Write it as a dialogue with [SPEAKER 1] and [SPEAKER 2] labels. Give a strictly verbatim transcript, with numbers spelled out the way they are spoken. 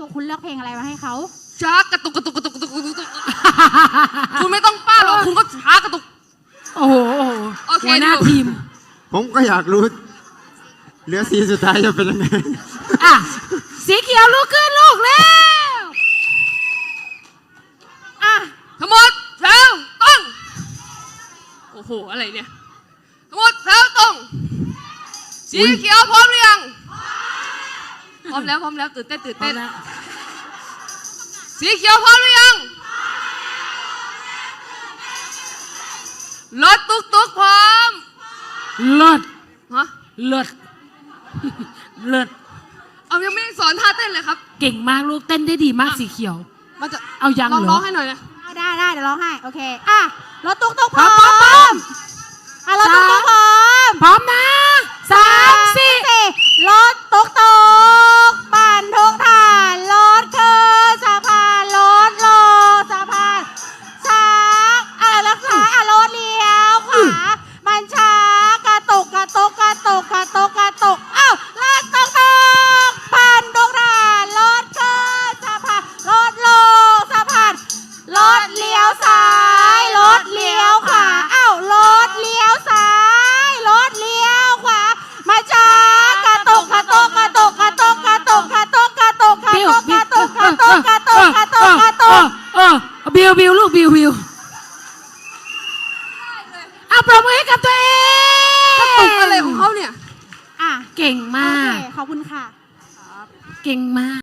[SPEAKER 1] คุณเลือกเพลงอะไรมาให้เขา
[SPEAKER 2] ช้ากระตุกกระตุกกระตุกกระตุกกระตุกคุณไม่ต้องป้าหรอกคุณก็ช้ากระตุก
[SPEAKER 3] โอ้โหโอเคหัวหน้าทีม
[SPEAKER 4] ผมก็อยากรู้เหลือสีสุดท้ายจะเป็นยังไง
[SPEAKER 3] อ่ะสีเขียวลุกขึ้นลูกแล้ว
[SPEAKER 2] อ่ะทั้งหมดแถวต้องโอ้โหอะไรเนี่ยทั้งหมดแถวต้องสีเขียวพร้อมหรือยังพร้อมแล้วพร้อมแล้วตื่นเต้นตื่นเต้นสีเขียวพร้อมหรือยังรถตุ๊กตุ๊กพร้อม
[SPEAKER 3] เลิศ
[SPEAKER 2] ฮะ
[SPEAKER 3] เลิศเลิศ
[SPEAKER 2] เอายังไม่ได้สอนท่าเต้นเลยครับ
[SPEAKER 3] เก่งมากลูกเต้นได้ดีมากสีเขียว
[SPEAKER 2] มันจะ
[SPEAKER 3] เอายังเหรอ
[SPEAKER 2] ร้องให้หน่อยนะ
[SPEAKER 1] ได้ได้เดี๋ยวร้องให้โอเคอ่ะรถตุ๊กตุ๊กพร้อมอ่ะรถตุ๊กตุ๊กพร้อม
[SPEAKER 3] พร้อมนะสามสี่
[SPEAKER 1] รถตุ๊กตุ๊กปั่นทุกทานรถคือสะพานรถโลสะพานช้าอ่ะรถซ้ายอ่ะรถเลี้ยวขวามันช้ากระตุกกระตุกกระตุกกระตุกกระตุกอ้าวรถตุ๊กตุ๊กปั่นทุกทานรถคือสะพานรถโลสะพานรถเลี้ยวซ้ายรถเลี้ยวขวาอ้าวรถเลี้ยวซ้ายรถเลี้ยวขวามาช้ากระตุกกระตุกกระตุกกระตุกกระตุกกระตุกกระตุกกระตุกกระตุกกระตุกกระตุกกระตุกกระตุก
[SPEAKER 3] เออบิวบิวลูกบิวบิวเอาปรบมือให้กับตัวเอง
[SPEAKER 2] กระตุกอะไรของเขาเนี่ย
[SPEAKER 1] อ่ะ
[SPEAKER 3] เก่งมาก
[SPEAKER 1] โอเคขอบคุณค่ะ
[SPEAKER 3] เก่งมาก